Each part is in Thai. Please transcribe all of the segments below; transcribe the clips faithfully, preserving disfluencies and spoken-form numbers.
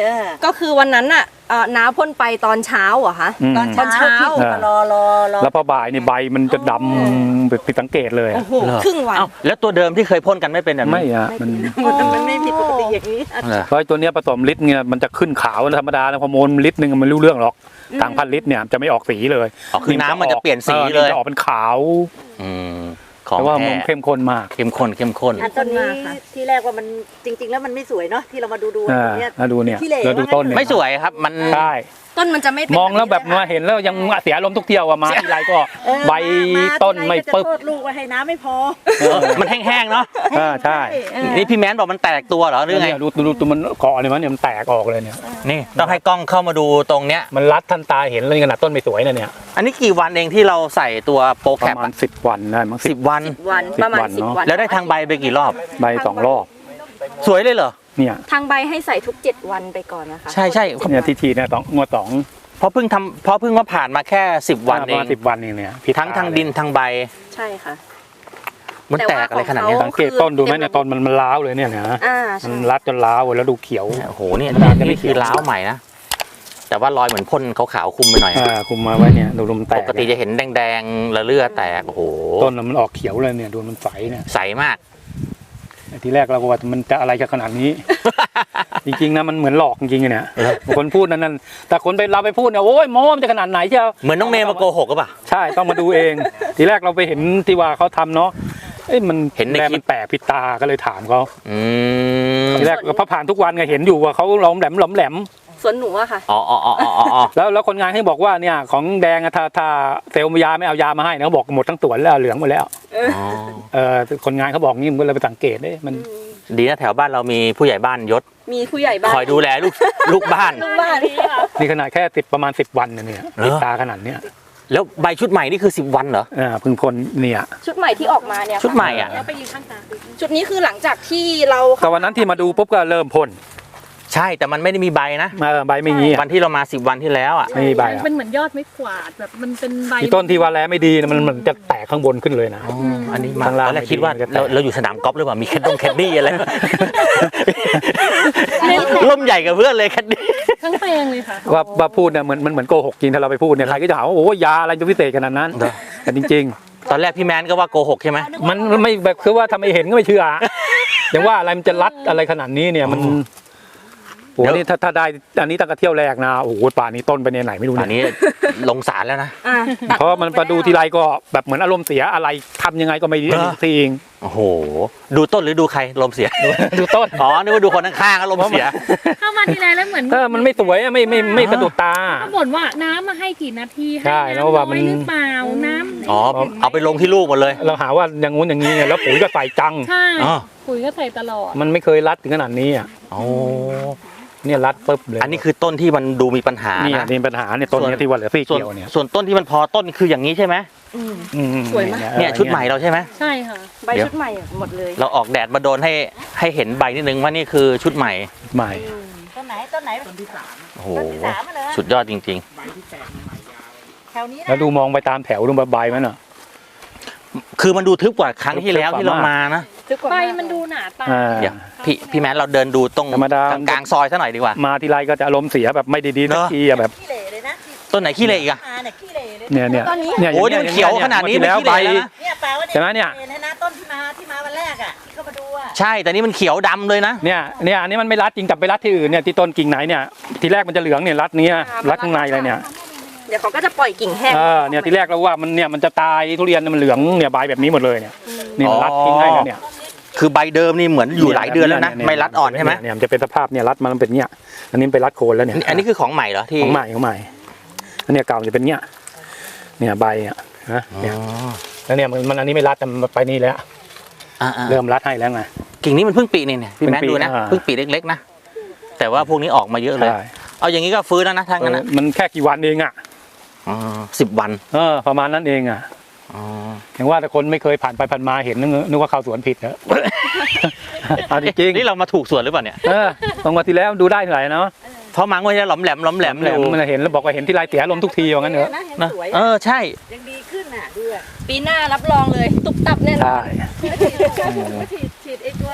ก็คือวันนั้นน่ะน้าพ่นไปตอนเช้าเหรอคะตอนเช้ารอรอรอแล้วพอบ่ายนี่ใบมันจะดำผิดสังเกตเลยครึ่งวันแล้วตัวเดิมที่เคยพ่นกันไม่เป็นแบบนี้ไม่อะมันมันไม่ผิดปกติอย่างนี้เพราะตัวนี้ผสมลิตรเนี่ยมันจะขึ้นขาวธรรมดาแล้วฮอร์โมนลิตรนึงมันไม่รู้เรื่องหรอกต่างพันลิตรเนี่ยจะไม่ออกสีเลยคือน้ำมันจะเปลี่ยนสีเลยจะออกเป็นขาวแต่ว่ามันเข้มข้นมากเข้มข้นเข้มข้นอันต้นนี้ที่แรกว่ามันจริงๆแล้วมันไม่สวยเนาะที่เรามาดูดูเนี่ยมาดูเนี่ยเราดูต้นไม่สวยครับมันใช่ต้นมันจะไม่มองแล้วแบบมาเห็นแล้วยังเสียลมทุกเที่ยวอะมาทีไรก็ใบต้นไม่ปึ๊บลูกไว้ให้น้ำไม่พอมันแห้งๆเนาะใช่นี่พี่แมนบอกมันแตกตัวเหรอหรือไงดูดูตัวมันเกาะเลยมั้ยเนี่ยมันแตกออกเลยเนี่ยนี่ต้องให้กล้องเข้ามาดูตรงเนี้ยมันรัดทันตาเห็นเลยขนาดต้นไม่สวยนะเนี่ยอันนี้กี่วันเองที่เราใส่ตัวโปรแคปประมาณสิบวันได้มั้งสิบวันประมาณสิบวันแล้วได้ทางใบไปกี่รอบใบสองรอบสวยเลยเหรอเนี่ยทางใบให้ใส่ทุกเจ็ดวันไปก่อนนะคะใช่ใช่เนี่ยทีทีเนี่ยต้องงวดสองเพราะเพิ่งทำเพราะเพิ่งว่าผ่านมาแค่สิบวันเองสิบวันเองเนี่ยทั้งทางดินทางใบใช่ค่ะมันแตกอะไรขนาดนี้สังเกตต้นดูไหมเนี่ยต้นมันมันล้าวเลยเนี่ยนะมันรัดจนล้าวแล้วดูเขียวโอ้โหเนี่ยนี่คือล้าวใหม่นะแต่ว่ารอยเหมือนพ่นขาวๆคุมไปหน่อยคุมมาไว้เนี่ยดูลมแตกปกติจะเห็นแดงๆละเลือดแตกโอ้โหต้นมันออกเขียวเลยเนี่ยดูมันใสเนี่ยใสมากทีแรกเราก็ว่ามันจะอะไรจะขนาดนี้ จริงๆนะมันเหมือนหลอกจริงๆเนี่ยคนพูดนั่นแต่คนไปเราไปพูดเนี่ยโอ้ยโม้มันจะขนาดไหนเชียวเหมือนน้องเมย์มาโกหกก็ป่ะใช่ต้องมาดูเองทีแรกเราไปเห็นที่ว่าเขาทำเนาะเอ้ยมันเห็นในคลิปแปลกผิดตาก็เลยถามเขาทีแรกก็ผ่านทุกวันไงเห็นอยู่ว่าเขาล้มแหลมล้มแหลมสวนหนูอะค่ะอ๋ออ๋ออ๋ออ๋อแล้วแล้วคนงานให้บอกว่าเนี่ยของแดงถ้าถ้าเซลล์ยาไม่เอายามาให้นะเขาบอกหมดทั้งสวนแล้วเหลืองหมดแล้วเออคนงานเขาบอกงี้มันเลยไปสังเกตได้มันดีนะแถวบ้านเรามีผู้ใหญ่บ้านยศมีผู้ใหญ่บ้านคอยดูแลลูกลูกบ้านลูกบ้านนี่ขนาดแค่สิบประมาณสิบวันเนี่ยติดตาขนาดเนี้ยแล้วใบชุดใหม่นี่คือสิบวันเหรออ่าพึ่งพ่นเนี่ยชุดใหม่ที่ออกมาเนี่ยชุดใหม่อ่ะชุดนี้คือหลังจากที่เราแต่วันนั้นที่มาดูปุ๊บก็เริ่มพ่นใช่แต่มันไม่ได้มีใบนะใบไม่มีวันที่เรามาสิบวันที่แล้วอ่ะไม่มีใบเป็นเหมือนยอดไม้กวาดแบบมันเป็นใบต้นที่ว่าแล้วไม่ดีมันมันจะแตกข้างบนขึ้นเลยนะอันนี้มาแล้วคิดว่าเราอยู่สนามกอล์ฟหรือเปล่ามีแคดดงแคดดี้อะไรล่มใหญ่กับเพื่อนเลยแคดดี้ทั้งแปลงเลยค่ะว่าว่าพูดเนี่ยเหมือนมันเหมือนโกหกจริงถ้าเราไปพูดเนี่ยใครก็จะหาว่าโอ้ยาอะไรจะพิเศษขนาดนั้นแต่จริงๆตอนแรกพี่แมนก็ว่าโกหกใช่ไหมมันไม่แบบคือว่าทำไมเห็นก็ไม่เชื่ออย่างว่าอะไรมันจะรัดอะไรขนาดนี้เนี่ยมันโอ้นี่ถ้าถ้าได้อันนี้ตั้งแต่เที่ยวแรกนะโอ้โหป่านี้ต้นไปในไหนไม่รู้เนี่ยอันนี้ลงสารแล้วนะเพราะมันมาดูทีไรก็แบบเหมือนอารมณ์เสียอะไรทำยังไงก็ไม่ดีทีเองโอ้โหดูต้นหรือดูใครลมเสียดูต้นอ๋อนึกว่าดูคนข้างๆก็ลมเสียเข้ามาทีไรแล้วเหมือนเออมันไม่สวยไม่ไม่ไม่สะดุดตาเขาบ่นว่าน้ำมาให้กี่นาทีให้น้ำน้อยหรือเปล่าน้ำอ๋อเอาไปลงที่ลูกหมดเลยเราหาว่าอย่างงู้นอย่างนี้แล้วปุ๋ยก็ใส่จังใช่ปุ๋ยก็ใส่ตลอดมันไม่เคยรัดถึงขนาดนี้อ่ะโอ้เนี่ยรัดปุ๊บเลยอันนี้คือต้นที่มันดูมีปัญหานี่มีปัญหาเนี่ยต้นนี้ที่ว่าเหลือซี่เกี่ยวเนี่ยส่วนต้นที่มันพอต้นคืออย่างนี้ใช่ไหมสวยมากเนี่ยชุดใหม่เราใช่ไหมใช่ค่ะใบชุดใหม่หมดเลยเราออกแดดมาโดนให้ให้เห็นใบนิดนึงว่านี่คือชุดใหม่ใหม่ต้นไหนต้นไหนต้นที่สามโอ้โหสุดยอดจริงๆแถวนี้แล้วดูมองไปตามแถวดูใบมันอ่ะคือมันดูทึบกว่าครั้งที่แล้วที่เรามานะใบมันดูหนาตาเดี๋ยวพี่พี่แมนเราเดินดูตรงกลางซอยซะหน่อยดีกว่ามาทีไรก็จะอารมณ์เสียแบบไม่ดีๆนะทีแบบต้นไหนขี้เหร่อีกอะเนี่ยเนี่ยเนี่ยโอ้ยมันเขียวขนาดนี้แล้วใบใช่ไหมเนี่ยต้นที่มาที่มาวันแรกอ่ะที่เขามาดูอ่ะใช่แต่นี่มันเขียวดำเลยนะเนี่ยเนี่ยอันนี้มันไม่รัดจริงกับไปรัดที่อื่นเนี่ยที่ต้นกิ่งไหนเนี่ยทีแรกมันจะเหลืองเนี่ยรัดเนี้ยรัดข้างในอะไรเนี่ยเดี๋ยวเขาก็จะปล่อยกิ่งแห้งเออเนี่ยทีแรกเราว่ามันเนี่ยมันจะตายทุเรียนมันเหลืองเนี่ยใบแบบนี้หมดเลยเนี่ยนี่รัดทิ้งให้แล้วเนี่ยคือใบเดิมนี่เหมือนอยู่หลายเดือนแล้วนะไม่รัดอ่อนใช่ไหมเนี่ยมันจะเป็นสภาพเนี่ยรัดมันเป็นเนี่ยอันนี้ไปรัดโคนแล้วเนี่ยอันนี้คือของใหม่เหรอที่ของใหม่ของใหม่อันนี้เก่าจะเป็นเนี่ยเนี่ยใบอ่ะนะเนี่ยแล้วเนี่ยมันอันนี้ไม่รัดแต่ไปนี่แล้วเริ่มรัดให้แล้วไงกิ่งนี้มันเพิ่งปีนี่เนี่ยพี่แมนดูนะเพิ่งปีเล็กๆนะแต่ว่าพวกนี้ออกมาเยอะเลยเอาอย่างนี้ก็ฟื้นแล้วนะทางนั้นนะมันแค่กี่วันเองอ่ะสิบวันเออประมาณนั้นเองอ่ะอย่างว่าแต่คนไม่เคยผ่านไปผ่านมาเห็นนึกว่าเข้าสวนผิดเหรอเอาจริงนี่เรามาถูกสวนหรือเปล่าเนี่ยเออตรงวันที่แล้วดูได้เท่าไหร่เนาะเพราะมังว่าจะหลอมแหลมหลอมแหลมเลยมันเห็นแล้วบอกว่าเห็นที่ไรเสียลมทุกทีอย่างนั้นเหรอนะเออใช่ยังดีขึ้นอ่ะด้วยปีหน้ารับรองเลยตุบตับแน่นอนฉีดฉีดไอ้ตัวไอ้ฮอร์โม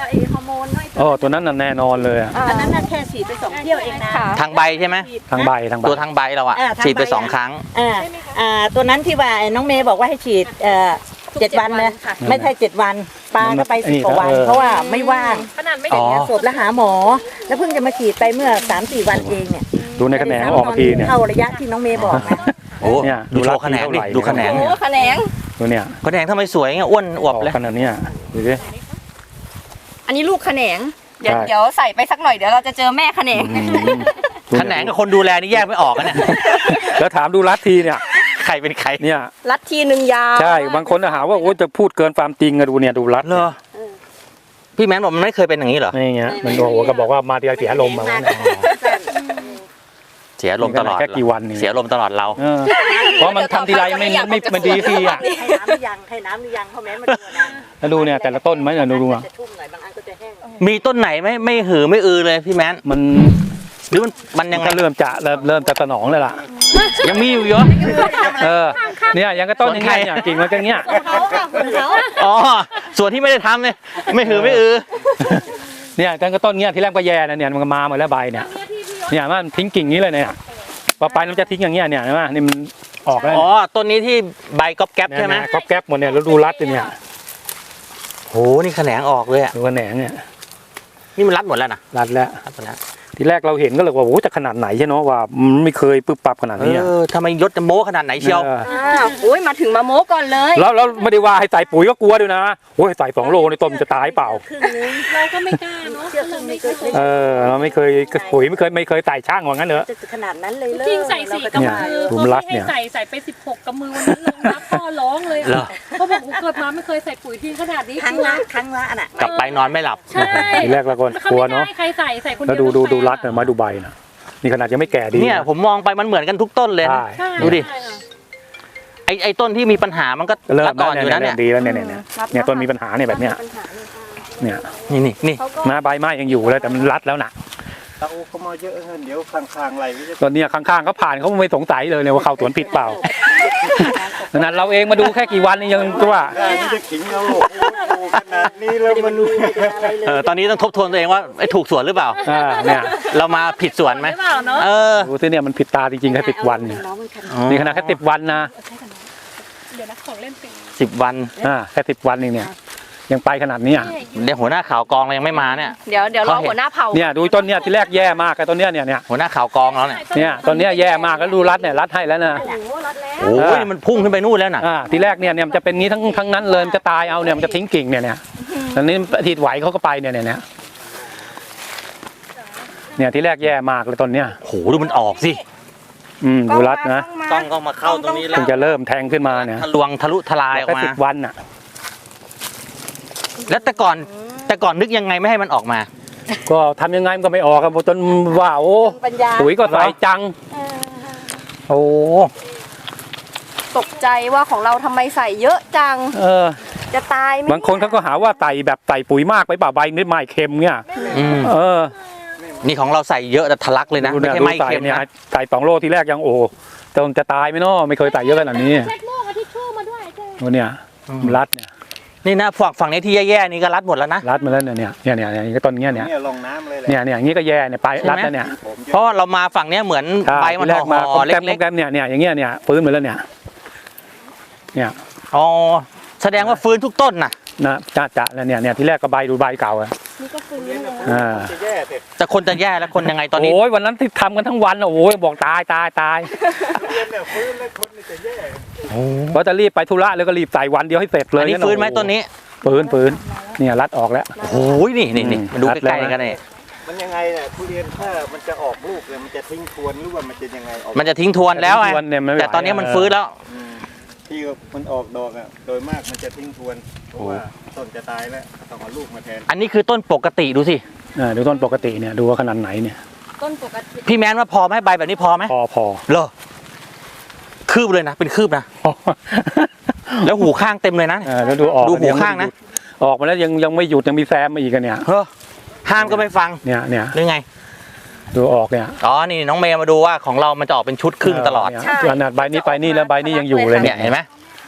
โมนน้อยอ๋อตัวนั้นน่ะแน่นอนเลยอะอันนั้นน่ะแค่ฉีดไปสองเที่ยวเองนะค่ะทางใบใช่ไหมทางใบทางใบตัวทางใบเราอะอ่าทางใบฉีดไปสองครั้งอ่าอ่าตัวนั้นที่ว่าน้องเมย์บอกว่าให้ฉีดเอ่อเจ็ดวันนะค่ะไม่ใช่เจ็ดวันปลาก็ไปสิบกว่าวัน เพราะว่าไม่ว่างขนาดไม่อ๋ได้อศพแล้วหาหมอ แล้วเพิ่งจะมาฉีดไปเมื่อสามสี่วันเองเนี่ยดูในแขนงออกมาทีเนี่ยเข้าระยะที่น้องเมย์บอกนะโอ้เนี่ยดูโชรัว์แขนงดิเท่าไหร่ดูแขนงโอ้แขนงตัวเนี่ยแขนงทำไมสวยเงี้ยอ้วนอวบเลยขนาดเนี้ยดูดิอันนี้ลูกแขนง เดี๋ยวใช่เดี๋ยวใส่ไปสักหน่อยเดี๋ยวเราจะเจอแม่แขนงอืมแขนงกับคนดูแลนี่แยกไม่ออกอะเนี่ยแล้วถามดูรัดทีเนี่ยใครเป็นใครเนี่ยรัดทีหนึ่งยาวใช่บางคนจะหาว่าโอ้จะพูดเกินความจริงอะดูเนี่ยดูรัดเหรอพี่แมนบอกมันไม่เคยเป็นอย่างนี้เหรอนี่เงี้ยมันโอ้โหก็บอกว่ามาเดียวเสียลมณ์มาวันนี้เสียลมณ์ตลอดแค่กี่วันนี่เสียลมณ์ตลอดเราเออเพราะมันทำทีไรไม่ไม่มันดีฟรีอ่ะให้น้ำหรือยังให้น้ำหรือยังเพราะแม้มันดูนะแล้วดูเนี่ยแต่ละต้นไหมเนี่ยดูดูอ่ะจะชุ่มหน่อยบางอันก็จะแห้งมีต้นไหนไม่ไม่หือไม่อือเลยพี่แมนมันหรือมันมันยัยัง งไงก็เริ่มจะเริ่มเริ่มจะสนองเลยล่ะยังมีอยู่เยอะเออเนี่ยยังก็ต้นอย่างเงี้ยเนี่ยกิ่งมันก็เงี้ยเขาค่ะคุณเขาอ๋อส่วนที่ไม่ได้ทำเนี่ยไม่หือไม่อือเนี่ยยังก็ต้นเงี้ยที่แรกก็แย่นะเนี่ยมันก็มาหมดแล้วใบเนี่ยเนี่ยมันทิ้งกิ่งนี้เลยเนี่ยพอไปมันจะทิ้งอย่างเงี้ยเนี่ยใช่ไหมนี่มันออกแล้วอ๋อต้นนี้ที่ใบก๊อบแก๊บใช่ไหมก๊อบแก๊บหมดเนี่ยแล้วดูรัดเนี่ยโหนี่แขนงออกเลยอ่ะดูกระแหนงเนี่ยนี่มันรัดหมดแล้วนะรัดแล้วรัดหมดแล้วทีแรกเราเห็นก็เลยว่าโอ้จะขนาดไหนใช่เนาะว่ามันไม่เคยปึ๊บปับขนาดนี้เออทำไมยศจะโม้ขนาดไหนเชียวเอออ้าวโอ้ยมาถึงมาโม้ก่อนเลยแล้วแล้วไม่ได้ว่าให้ใส่ปุ๋ยก็กลัวด้วยนะโอ้ยใส่สองโลในต้นมันจะตายเปล่าครึ่งนึงเราก็ไม่กล้าเนาะเชื่อครึ่งนึงก็เออเราไม่เคยปุ๋ยไม่เคยไม่เคยใส่ช่างว่างั้นเหรอจะขนาดนั้นเลยจริงใส่สี่เรากำเนี่ยมือดูพอรัดไม่เนี่ให้ยใส่ใส่ไปสิบหกกำมือวันนั้นลงนับพ่อร้องเลยเหรออะเขาบอกเกิดมาไม่เคยใส่ปุ๋ยทิ้งขนาดนี้ครั้งละครั้งละน่ะกลับไปนอนไม่หลับใช่ทีแรกเราก็แล้วเขากลัวไม่เนาะได้ใครใส่ใส่คนแล้วเดียวดูดูตั้งแต่ดูรัดเนี่ยมาดูใบนะนี่ขนาดยังไม่แก่ดีเนี่ยนะผมมองไปมันเหมือนกันทุกต้นเลยใช่ใช่ดูดิใช่ค่ะไอไอต้นที่มีปัญหามันก็เริ่รัมดอ่อนอยู่นะเนี่ยดีแล้วเนี่ยเนี่ยเนี่ยเนี่ยต้นมีปัญหาเนี่ยแบบเนี้ยเนี่ยนี่นี่นี่นะใบไม้ยังอยู่เลยแต่มันรัดแล้วนะตาโอเขามาเยอะเงินเดี๋ยวข้างๆไหลก็จะตอนเนี้ยข้างๆเขาผ่านเขาไม่สงสัยเลยเนี่ยว่าเข้าสวนผิดเปล่าขนาดเราเองมาดูแค่กี่วันนี่ยังตัวได้มันจะขิงเราโอ้โหขนาดนี้แล้วมันเออตอนนี้ต้องทบทวนตัวเองว่าไอถูกสวนหรือเปล่าอ่าเนี่ยเรามาผิดสวนไหมหรือเปล่าเนาะเออดูสิเนี่ยมันผิดตาจริงๆแค่สิบวันเนี่ยนี่ขนาดแค่สิบวันนะเดี๋ยวนะของเล่นปีสิบวันอ่าแค่สิบวันเองเนี่ยยังไปขนาดเนี้ยเดี๋ยวหัวหน้าข่าวกองเรายังไม่มาเนี่ยเดี๋ยวเดี๋ยวรอเขาเห็นหัวหน้าเผ่าเนี่ยดูต้นเนี่ยที่แรกแย่มากไอ้ต้นเนี้ยเนี่ยเนี่ยหัวหน้าข่าวกองเราเนี่ยเนี่ยต้นเนี้ยแย่มากแล้วดูรัดเนี่ยรัดให้แล้วนะโอ้ยมันพุ่งขึ้นไปนู่นแล้วน่ะอ่าทีแรกเนี่ยเนี่ยมันจะเป็นงี้ทั้งทั้งนั้นเลยมันจะตายเอาเนี่ยมันจะทิ้งกิ่งเนี่ยเนี่ยตอนนี้ทีไหวเขาก็ไปเนี่ยเนี่ยเนี่ยเนี่ยที่แรกแย่มากเลยต้นเนี้ยโหดูมันออกสิอืมดูรัดนะกล้องก็มาเข้าตรงนี้แล้ถึวงจะเริ่มแทงขึ้นมาเนี่ยทะลวงทะลุทลายออกแค่มาสิบวันอ่ะแล้วแต่ก่อนแต่ก่อนนึกยังไงไม่ให้มันออกมาก็ทำยังไงมันก็ไม่ออกครับจนว่าโอ้ปัญญาปุ๋ยก็ใส่จัง โอ้ตกใจว่าของเราทำไมใส่เยอะจังเออจะตายไหมบางคนเขาก็หาว่าใส่แบบใส่ปุ๋ยมากไปเปล่าใบนิดไม้เค็มเนี่ยอืมเออนี่ของเราใส่เยอะแต่ทะลักเลยนะดูไม่เนี่ยใช่ดูไม่ใส่เค็มเนี่ยนะใส่สองโลทีแรกยังโอ้จนจะตายไหมเนาะไม่เคยใส่เยอะขนาดนี้เช็ดโม่กับทิชชู่มาด้วยเจ้โอ้เนี่ยรัดเนี่ยนี่นะฝั่งฝั่งนี้ที่แย่ๆนี่ก็รัดหมดแล้วนะรัดมาแล้วเนี่ยเนี่ยเนี่ยเนี่ยเนี่ยก็ต้นเงี้ยเนี่ยเนี่ยลงน้ำเลยแหละเนี่ยเนี่ยอย่างงี้ก็แย่เนี่ยไปใช่ไหมรัดแล้วเนี่ยผมเยเพราะอะว่าเรามาฝั่งเนี้ยเหมือนใช่ใบมันทีแรกห่มาอๆแกมเล็กแกมเนี่ยเนี่ยอย่างเงี้ยเนี่ยฟื้นมาแล้วเนี่ยเนี่ยๆอ๋อแสดงว่าฟื้นทุกต้นน่ะนะจะจะแล้วเนี่ยเนี่ยที่แรกก็ใบดูใบเก่าอะอ่าจะแย่เสร็จแต่คนจะแย่แล้วคนยังไงตอนนี้โอ้ยวันนั้นที่ทำกันทั้งวันอะโอ้ยบอกตายตายตายเรียนเนี่ยฟื้นแล้วคนจะแย่เพราะจะรีบไปธุระแล้วก็รีบใส่วันเดียวให้เสร็จเลยอันนี้ฟื้นไหมต้นนี้ฟื้นฟื้นเนี่ยรัดออกแล้วโอ้ยนี่นี่นี่อืมมาดูรัดใกล้แล้วๆกันนี่มันยังไงเนี่ยทุเรียนถ้ามันจะออกลูกเนี่ยมันจะทิ้งทวนหรือว่ามันจะยังไงออกมันจะทิ้งทวนแล้วไงทวนเนี่ยมันไม่ไหวแต่ตอนนี้มันฟื้นแล้วอืมที่มันออกดอกอ่ะโดยมากมันจะทิ้งทวนเพราะว่าต้นจะตายแล้วต้องเอาลูกมาแทนอันนี้คือต้นปกติดูสิอ่าดูต้นปกติเนี่ยดูว่าขนาดไหนเนี่ยต้นปกติพี่แมนว่าพอไหมใบแบบนี้พอไหมพอพอเหรอคืบเลยนะเป็นคืบนะพอแล้วหูข้างเต็มเลยนะเออแล้วดูออกดูหูยังไม่ข้างนะหยุดออกมาแล้วยังยังไม่หยุดยังมีแซมมาอีกอะเนี่ยเฮ้อห้ามก็ไม่ฟังเนี่ยเนี่ยหรือไงดูออกเนี่ยอ๋อนี่น้องเมย์มาดูว่าของเรามันจะออกเป็นชุดครึ่งตลอดเนี่ยขนาดใบนี้ไปนี่แล้วใบนี้ยังอยู่เลยเนี่เนี่ย ยเห็นไหม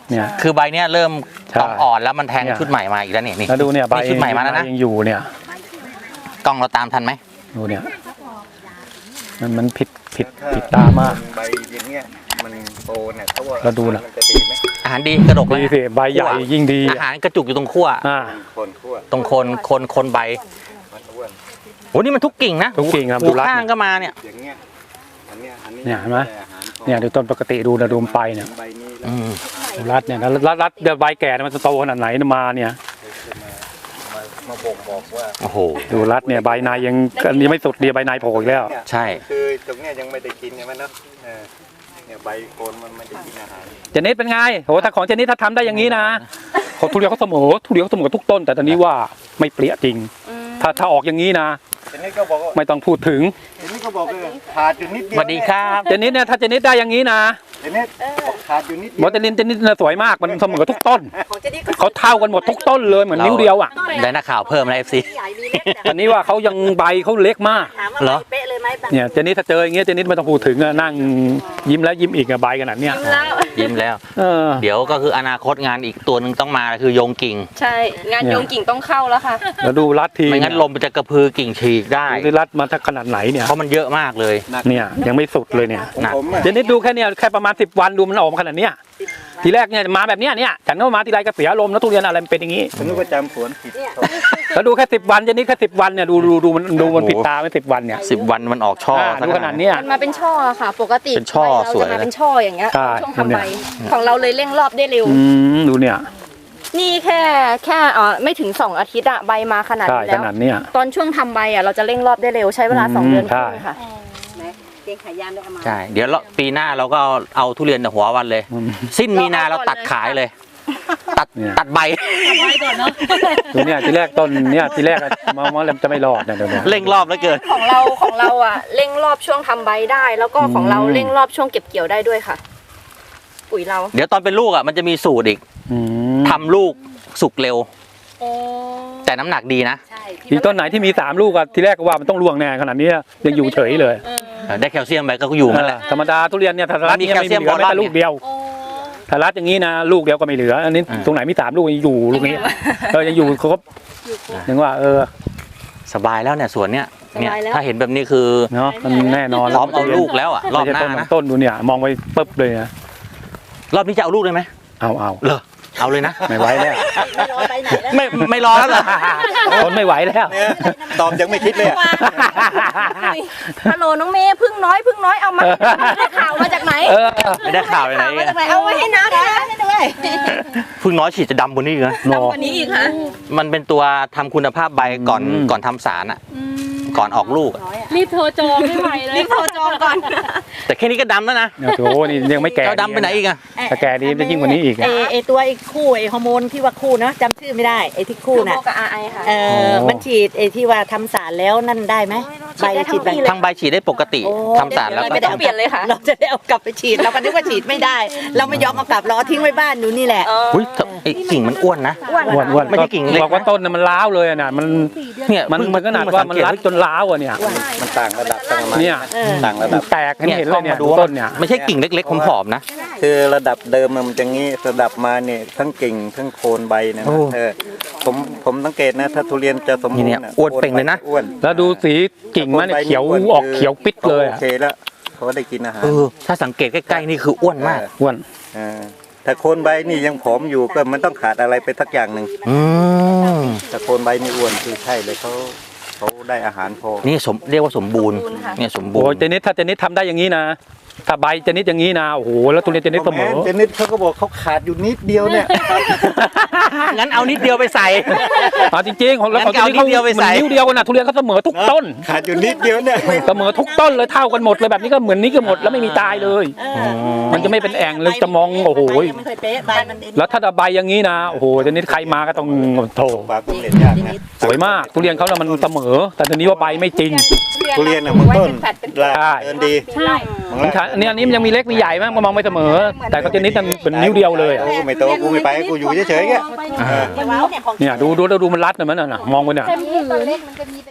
เนี่ยคือใบเนี้ยเริ่มใช่กองอ่อนแล้วมันแทงเนี่ยชุดใหม่มาอีกแล้วเนี่ยนี่แล้วดูเนี่ยใบชุดใหม่มาแล้วนะยังอยู่เนี่ยกล้องเราตามทันไหมดูเนี่ยมันมันผิดผิดผิดตามากใบอย่างเงี้ยมันโตเนี่ยเขาว่าแล้วดูนะมันจะดีไหมอาหารดีกระดกเลยดีสิใบใหญ่ยิ่งดีอาหารกระจุกอยู่ตรงขั้วอ่าคนขั้วตรงโคนโคนโคนใบมันอ้วนโอ้นี่มันทุกกิ่งนะทุกกิ่งครับหูดูรัดข้างเนี่ยก็มาเนี่ยอย่างเงี้ยอันเนี้ยอันนี้เนี่ยเห็นไหมแต่อาารพอเนี่ยดูต้นปกติดูนะดูมนไปเนี่ยใบนี้แล้วอืมดูรัดเนี่ยแล้วรัดรัดเดี๋ยวใบแก่เนี่ยมันจะโตขนาดไหนมาเนี่ยมามาบ่งบอกว่าโอ้โหดูรัดเนี่ยใบในยังยังไม่สุดเดียวใบในโผล่อีกแล้วเนี่ยใช่คือตรงเนี้ยยังไม่ได้กินใช่ไหมเนาะเออเนี่ยใบโคนมันไม่ได้กินอาหารเจนิดเป็นไงโหถ้าของเจนิดถ้าทำได้อย่างนี้นะเขาทุเรียนเขาเสมอทุเรียนเขาเสมอทุกต้น แต่ตอนนี้ว่าไม่เปรี้ยจริง ถ้าถ้าออกอย่างนี้นะทีนี้ก็บอกว่าไม่ต้องพูดถึงทีนี้ก็บอกว่าขาดอยู่นิดเดีสยววัสดีครับเจนิดเนี่ยถ้าเจนิดได้อย่างนี้นะทีนี้บอกขาดอยู่นิดเดีบยอวสเตลินเจนิดน่ะสวยมากมันเสมอทุกต้นของเจนี่ก็เขาเท่ากันหมดทุกต้นเลยเหมือนนิ้วเดียวอ่ะได้นักข่าวเพิ่มนะเอฟซีใหญ่มีเล็กแต่อันนี้ว่าเขายังใบเขาเล็กมากถามว่าเหรอใบเป๊ะเลยไหมบางเนี่ยเจนิดถ้าเจออย่างเงี้ยเจนิดไม่ต้องพูดถึงอะนั่งยิ้มแล้วยิ้มอีกอะใบขนาดเนี้ยแล้วยิ้มแล้วเออเดี๋ยวก็คืออนาคตงานอีกตัวหนึ่งต้องมาคือโยงกิ่งใช่ งานโยงกิ่งต้องเข้าแล้วค่ะแล้วดูรัดทีไม่งั้นลมมันจะกระพือกิ่งฉีกได้ดูรัดมาถ้าขนาดไหนเนี่ยเพราะมันเยอะมากเลยเนี่ยยังไม่สุดเลยเนี่ยของหนักผมอะเจนิดดูแค่เนี่ยแค่ประมาณสิบวันดูมันออกมาขนาดเนี้ยทีแรกเนี่ยมาแบบเนี้ยเนี่ยฉันก็มาทีไรก็เสียอารมณ์แล้วทุเรียนอะไรมันเป็นอย่างงี้ผมนึกว่าจำสวนผิดแล้วดูแค่สิบวันเจนิดแค่สิบวันเนี่ยดูดูดูมันดูมันผิดตาไม่สิบวันเนี่ยสิบวันมันออกช่ออ่าซะดูขนาดเนี้ยมันมาเป็นช่อค่ะ ปกติเป็นช่อใบเราสวยจะมาเป็นช่ออย่างเงี้ยใช่ช่วงทำใบของเราเลยเร่งรอบได้เร็วอืมดูเนี่ยนี่แค่แค่เอ่อไม่ถึงสองอาทิตย์อะใบมาขนาดใช่นี้ขแล้วนาดเนี้ยตอนช่วงทำใบอะเราจะเร่งรอบได้เร็วใช้เวลาสองอืมเดือนคใช่รึ่งค่ะเกงขายยานด้วยเอามาใช่ เดี๋ยวเราปีหน้าเราก็เอาทุเรียนหัววันเลยอืมสิ้นมีนาเราตัดขายเลย ตัดเนี่ยตัดใบดูเนี่ยทีแรกต้นเนี่ยทีแรกอะมองว่ามันจะไม่รอดเนี่ยเดี๋ยวเนี่ยเร่งรอบแล้วเกินของเราของเราอะเร่งรอบช่วงทำใบได้ แล้วก็ของเราอืมเร่งรอบช่วงเก็บเกี่ยวได้ด้วยค่ะ ปุ๋ยเราเดี๋ยวตอนเป็นลูกอ่ะมันจะมีสูตรอีกอืมทำลูกสุกเร็ว แต่น้ำหนักดีนะใช่ที่อีกต้นไหนที่มีสามลูกอะทีแรกก็ว่ามันต้องร่วงแน่ขนาดนี้ยังอยู่เฉยเลยได้แคลเซียมไปก็อยู่นั่นแหละธรรมดาทุเรียนเนี่ยถ้ารัดมันมีเนี่ยไม่แคลเซียมเหลือแม้บอลแต่ลูกเดียวถ้ารัดอย่างนี้นะลูกเดียวก็ไม่เหลือ อันนี้อ่าตรงไหนมีสามลูกยังอยู่ลูกนี้เออยังอยู่ครบยังว่าเออสบายแล้วเนี่ยสวนเนี้ยเนี่ยสบายแล้วถ้าเห็นแบบนี้คือเนาะมันแน่นอนพร้อมเอาลูกแล้วอ่ะรอบไม่หใช่น้าต้นนะต้นดูเนี่ยมองไปปึ๊บเลยนะรอบนี้จะเอาลูกเลยไหมเอาเอาเหรอเอาเลยนะไม่ไหวแล้วไม่รอไปไหนแล้วไม่ไม่รอแล้วเหรอทนไม่ไหวแล้วเนี่ยตอบยังไม่คิดเลยอะฮัลโหลน้องเมย์พึ่งน้อยพึ่งน้อยเอามาได้ข่าวมาจากไหนเออไม่ได้ข่าวไปไหนข่าวมาอะจากไหนเอาไว้ให้น้าด้วยนะด้วยพึ่งน้อยฉีดจะดำกว่านี้อีกนะนอกว่านี้อีกค่ะมันเป็นตัวทำคุณภาพใบก่อนอืมก่อนทำสารอ่ะก่อนออกลูกอะรีบโทรจองไม่ไหวเลยรีบโทรจองก่อนแต่แค่นี้ก็ดำแล้วนะโอ้โหนี่ยังไม่แก่เราดำไปไหนอีกอะถ้าแก่ดีมันจะยิ่งกว่านี้อีกไอไอตัวไอคู่ไอฮอร์โมนที่ว่าคู่เนาะจำชื่อไม่ได้ไอที่คู่น่ะโบกับอาไอค่ะเออมันฉีดไอที่ว่าทำสารแล้วนั่นได้ไหมใบฉีดแบบทางใบฉีดได้ปกติโอ้ทำสารแล้วก็ไม่ต้องเปลี่ยนเลยค่ะเราจะได้เอากลับไปฉีดเราก็นึกว่าฉีดไม่ได้ เราไม่ยอมเอากลับเราเอาทิ้งไว้บ้านอยู่นี่แหละอุ้ยไอ้กิ่งมันอ้วนนะอ้วนอ้วนไม่ใช่กิ่งเล็กนะบอกว่าต้นน่ะมันล้าวเลยอะน่ะมันเนี่ยมันเพิ่งมันขนาดเพิ่งว่ามันสังเกตรัดจนล้าวอ่ะเนี่ยมันต่างระดับต่างมาเนี่ยเออต่างระดับแตกเห็นเห็นเลยเนี่ยดูดูต้นเนี่ยไม่ใช่กิ่งเล็กๆผอมๆนะคือระดับเดิมมันจะงี้ระดับมาเนี่ยทั้งกิ่งทั้งโคนใบเนยโอ้นะเออผมผมสังเกตนะถ้าทุเรียนจะสมบูรเนี่ณ์ยอ้วนเป่งเลยนะอ้วนแล้วดูสีกิ่งมันเนี่ยเขียวออกเขียวปิดเลยโออะเคแล้วเขาได้กินอาหารเออถ้าสังเกตใกล้ๆนี่คืออ้วนมากอ้วนเออถ้าโคนใบนี่ยังผอมอยู่ก็มันต้องขาดอะไรไปสักอย่างหนึ่งอืมถ้าโคนใบนี่อ้วนคือใช่เลยเขาเขาได้อาหารพอนี่สมเรียกว่าสมบูรณ์สมบูรณ์ค่ะเนี่ยสมบูโอ้รยณ์เจนิดถ้าเจนิดทำได้อย่างนี้นะถ้าใบเจนิดอย่างนี้นะโอ้โหแล้วทุเรียนเจนิดเสมอเจนิดเขาก็บอกเขาขาดอยู่นิดเดียวเนี่ยงั้นเอานิดเดียวไปใส่อ่าจริงๆของเรางั้ของนก็เอาเจนิดเขานิ้วเดียวไปเหมืใส่อนนิ้วเดียวกันนะทุเรียนเขาเสมอทุกต้นขาดอยู่นิดเดียวเนี่ยเสมอทุกต้นเลยเท่ากันหมดเลยแบบนี้ก็เหมือนนี้ก็หมดแล้วไม่มีตายเลยเออมันจะไม่เป็นแอ่งเลยจะมองโอ้โหใบยังไม่เคยเป๊ะใบมันเอ็นแล้วถ้าใบอย่างนี้นะโอ้โหเจนิดใครมาก็ต้องโถปากผมเด็ดยากนะสวยมากทุเรียนเขาน่ะมันเสมอ แต่ทีนี้ว่าใบไม่จริงทุเรียนน่ะมันต้นลาใช่เดินดีใช่มันขาเนี่ยอันนี้มันยังมีเล็กมีใหญ่มั้งมันมองไม่เสมอ แต่เขาเจนิดมันเป็นนิ้วเดียวเลยอะกูไม่โตกูไม่ไปกูอยู่เฉยๆแค่เออเดี๋ยวว้าวเนี่ยของเนี่ยดูดูดูมันรัดนะมันน่ะมองไปเนี่ยเต็มผืน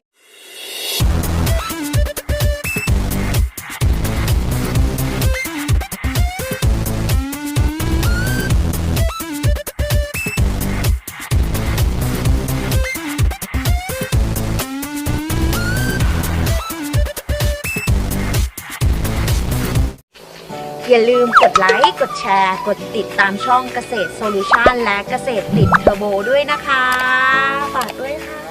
อย่าลืมกดไลค์ กดแชร์ กดติดตามช่องเกษตรโซลูชันและเกษตรติดเทอร์โบด้วยนะคะ ฝากด้วยค่ะ